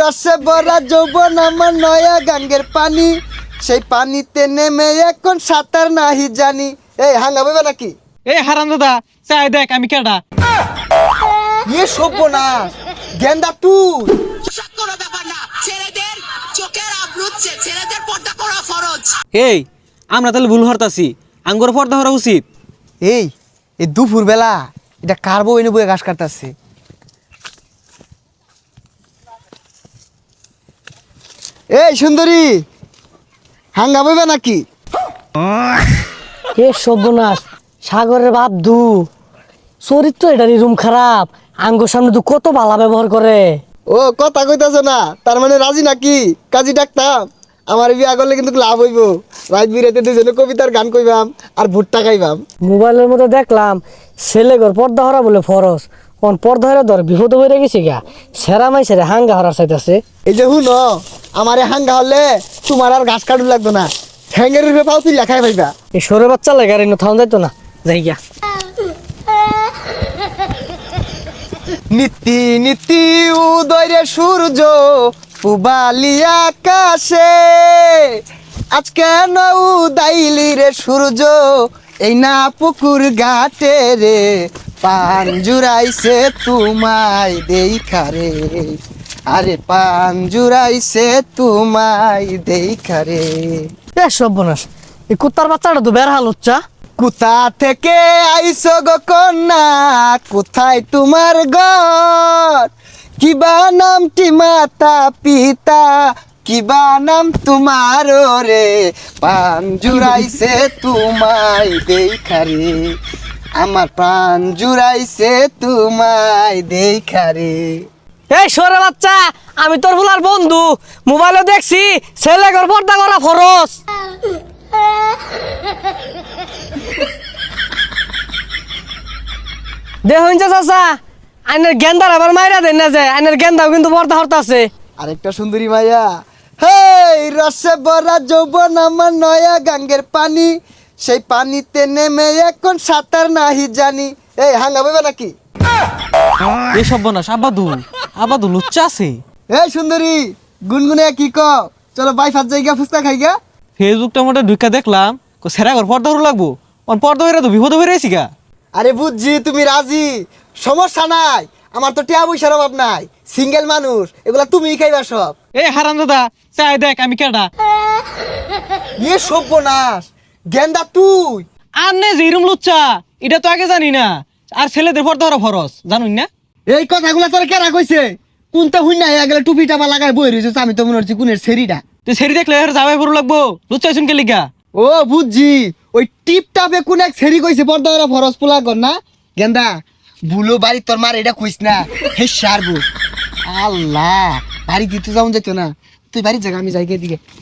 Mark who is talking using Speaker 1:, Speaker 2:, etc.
Speaker 1: রসে ভরা যৌবন আমার নয়া গাঙ্গের পানি, সেই পানিতে নেমে এখন সাঁতার নাহি জানি। এই হাঙ্গা বইবে নাকি?
Speaker 2: এই হারাম দাদা চাই দেখ আমি কেডা।
Speaker 1: ইয়ে সর্বনাশ, গেন্দা তুই?
Speaker 3: কোনো ব্যাপার না, ছেলেদের চোখের আবরু ছেলেদের পর্দা করা ফরজ।
Speaker 2: এই আমরা তাহলে ভুল হরতাছি, আঙ্গুর পর্দা হরা উচিত।
Speaker 1: এই এই দুপুর বেলা এটা কার বউ এনে বয়ে ঘাস কাটতেছে? এই সুন্দরী, হাঙ্গা বইবে নাকি?
Speaker 4: এ সর্বনাশ, সাগরের বাপ দু চরিত্র এটারই রুম খারাপ। আঙ্গুর সামনে তো কত বালা ব্যবহার করে।
Speaker 1: ও কথা কইতাছ না, তার মানে রাজি নাকি? কাজী ডাকতাম, আমার বিয়া করলে কিন্তু লাভ হইব। রাত বিরাতে দুজনে কবিতার গান কইবাম আর ভুট্টা খাইবাম।
Speaker 4: মোবাইলের মধ্যে দেখলাম ছেলে ঘর পর্দা হরা বলে ফরজ, কোন পর্দা হরা ধর বিপদ হয়ে গেছে গা। সেরা মাই সেরা হাঙ্গা হরার চাইতেছে।
Speaker 1: এই যে হুন, আমারে হাঙ্গা হলে তোমার আর ঘাস কাটু লাগতো না, ঠ্যাঙ্গের উপরে পাও তুই লেখাই পাইবা।
Speaker 4: এই সরে বাচ্চা লাগে আর থাউন যাইতো না, যাই গিয়া।
Speaker 1: নীতি নীতি উদয় সূর্য পুবালি আকাশে, আজকে না উদাইলি রে সূর্য, এই না পুকুর ঘাটে রে, পান জুড়াইছে তোমায় দেখা রে, আরে পান জুড়াইছে তোমায় দেখা রে।
Speaker 4: এ সর্বনাশ, এই কুত্তার বাচ্চাটা তো বের হাল হচ্ছা।
Speaker 1: কোথা থেকে আইছো গো কন্যা, কোথায় তোমার ঘর, কিবা নামটি মাতা পিতা, কিবা নাম তোমার রে, পান জুড়াইছে তোমায় দেখা রে, আমার প্রাণ জুড়াইছে তোমায় দেখা রে।
Speaker 4: এই সরে বাচ্চা, আমি তোর ভুলার বন্ধু, মোবাইলে দেখছি ছেলে ঘর পর্দা করা ফরজ। দেখুন চাচা, আইনের গেন্দার আবার মাইরা দেন না যায়, আইনের গেন্দাও কিন্তু পর্দা হরতা আছে।
Speaker 1: আরেকটা সুন্দরী মাইয়া, হেই রসে ভরা যৌবন আমার নয়া গাঙ্গের পানি, সেই পানিতে নেমে এখন সাঁতার নাহি জানি। এই হাঙ্গা বইবে নাকি?
Speaker 2: এই সর্বনাশ, আবাদু লুচ্চা আছে।
Speaker 1: এই সুন্দরী, গুনগুনে কি কও? চলো বাই ফাত জায়গা ফুচকা খাইগা।
Speaker 2: ফেসবুকটা মোটে ঢুকা দেখলাম সেরা ঘর পর্দা হরা লাগবো, পর্দা হইরা তো বিপদ হয়ে রয়েছি গা।
Speaker 1: আরে বুঝছি তুমি রাজি, সমস্যা নাই, আমার তো টিয়া পয়সার অভাব নাই, সিঙ্গেল মানুষ, এগুলা তুমিই খাইবা সব।
Speaker 2: এই হারাম দাদা চাই দেখ আমি কেডা।
Speaker 1: ইয়ে সর্বনাশ, গেন্দা তুই?
Speaker 2: আর নে যেরম লুচ্চা, এটা তো আগে জানি না। আর ছেলেদের পর্দা হরা ফরজ জানুন না।
Speaker 1: এই কথাগুলা তোর কেরা কইছে? কোনটা হুই না গেলে টুপি টাপা লাগায় বই রয়েছে, আমি তো মনে হচ্ছে কোনের সেরিটা।
Speaker 2: তুই সেরি দেখলে এর যাবে বড় লাগবো, লুচ্চা শুনকে লিগা।
Speaker 1: ও বুঝছি, ওই টিপ টাপে কোন এক সেরি কইছে পর্দা ওরা ফরজ পোলা কর না। গেন্দা ভুলো বাড়ি তোর মার এটা কইস না, হে সারবো। আল্লাহ, বাড়ি দিতে যাও যেত না, তুই বাড়ির জায়গা আমি যাই দিকে।